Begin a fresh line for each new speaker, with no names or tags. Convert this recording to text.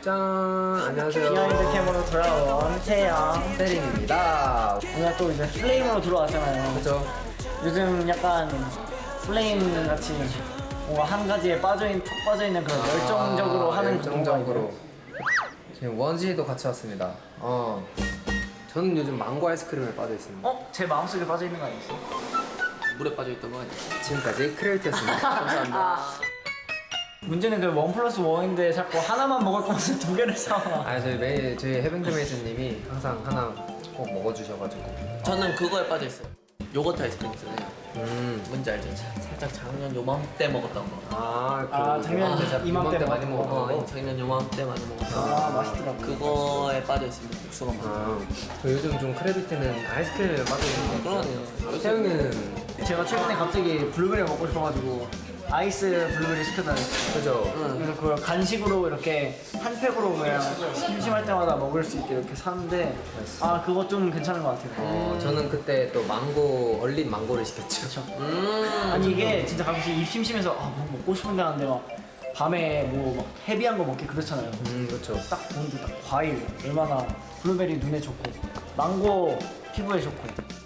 짠! 안녕하세요.
비하인드 캠으로 돌아온 태양
세린입니다.
우리가 또 이제 플레임으로 들어왔잖아요.
그죠?
요즘 약간 플레임 같이 뭔가 한 가지에 푹 빠져있는 그런 열정적으로 하는 그런
열정적으로.
거
지금 원지도 같이 왔습니다. 저는 요즘 망고 아이스크림에 빠져 있습니다.
제 마음속에 빠져있는 거 아니었어?
물에 빠져있던 거 아니야?
지금까지 크레이트였습니다.
감사합니다.
문제는 그 1+1인데 자꾸 하나만 먹을 거면서 2개를 사와.
저희 해병대 메이트님이 항상 하나 꼭 먹어주셔가지고.
저는 그거에 빠져있어요. 요거트 아이스크림 있잖아요. 뭔지 알죠? 살짝 작년 요맘때 먹었던 거.
작년 이맘때
많이 먹었던
작년 요맘때 많이 먹었던 거.
맛있더라고.
그거에 빠져있습니다. 육수가 많아.
저 요즘 좀 크래비티는 아이스크림에 빠져 있는 거.
그러네요.
태영이는
제가 최근에 갑자기 블루베리 먹고 싶어가지고 아이스 블루베리 시켜달랬어요.
그죠?
그래서 그걸 간식으로 이렇게 한 팩으로 그냥 심심할 때마다 먹을 수 있게 이렇게 사는데 그거 좀 괜찮은 것 같아요.
저는 그때 또 망고 얼린 망고를 시켰죠.
아니 이게 진짜 가끔씩 입 심심해서 뭐 먹고 싶은데 하는데 막 밤에 뭐 막 헤비한 거 먹기 그렇잖아요.
그렇죠.
딱 보는데 딱 과일 얼마나 블루베리 눈에 좋고 망고 피부에 좋고